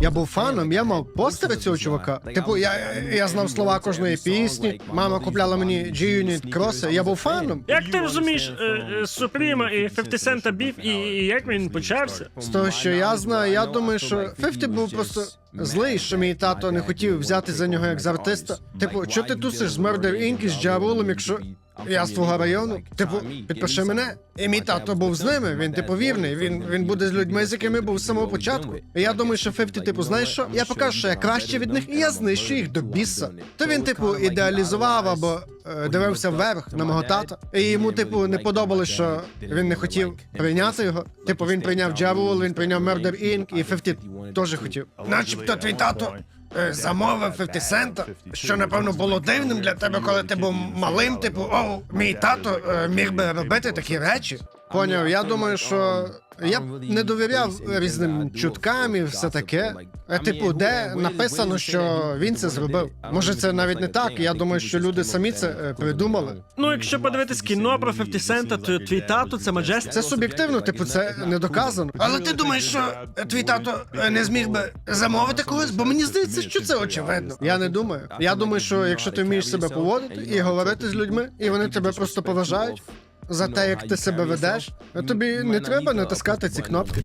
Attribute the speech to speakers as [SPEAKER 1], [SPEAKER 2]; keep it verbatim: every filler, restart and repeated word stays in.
[SPEAKER 1] Я був фаном, я мав постери цього чувака. Типу, я, я знав слова кожної пісні, мама купляла мені G-Unit кроси, я був фаном.
[SPEAKER 2] Як ти розумієш Супріма і п'ятдесят Cent біф, і, і як він почався?
[SPEAKER 1] З того, що я знаю, я думаю, що п'ятдесят був просто злий, що мій тато не хотів взяти за нього як за артиста. Типу, що ти тусиш з Murder Incorporated і з Ja Rule, якщо я з твого району? Типу, підпиши мене. І мій тато був з ними, він типу вірний, він, він буде з людьми, з якими був з самого початку. І я думаю, що п'ятдесят, типу, знаєш що? Я покажу, що я краще від них, і я знищу їх до біса. То він, типу, ідеалізував або е, дивився вверх на мого тата. І йому, типу, не подобалось, що він не хотів прийняти його. Типу, він прийняв Ja Rule, він прийняв Murder Incorporated, і п'ятдесят теж хотів. Начебто твій тато е, замовив п'ятдесят Cent, що, напевно, було дивним для тебе, коли ти був малим, типу, о, мій тато е, міг би робити такі речі. Поняв, я думаю, що я б не довіряв різним чуткам і все таке. Е, Типу, де написано, що він це зробив. Може, це навіть не так, я думаю, що люди самі це е, придумали.
[SPEAKER 2] Ну, якщо подивитись кіно про п'ятдесят Cent, то твій тато це Majestic.
[SPEAKER 1] Це суб'єктивно, типу, це не доказано. Але ти думаєш, що твій тато е, не зміг би замовити когось? Бо мені здається, що це очевидно. Я не думаю. Я думаю, що якщо ти вмієш себе поводити і говорити з людьми, і вони тебе просто поважають за те, як ти себе ведеш, тобі не треба натискати ці кнопки.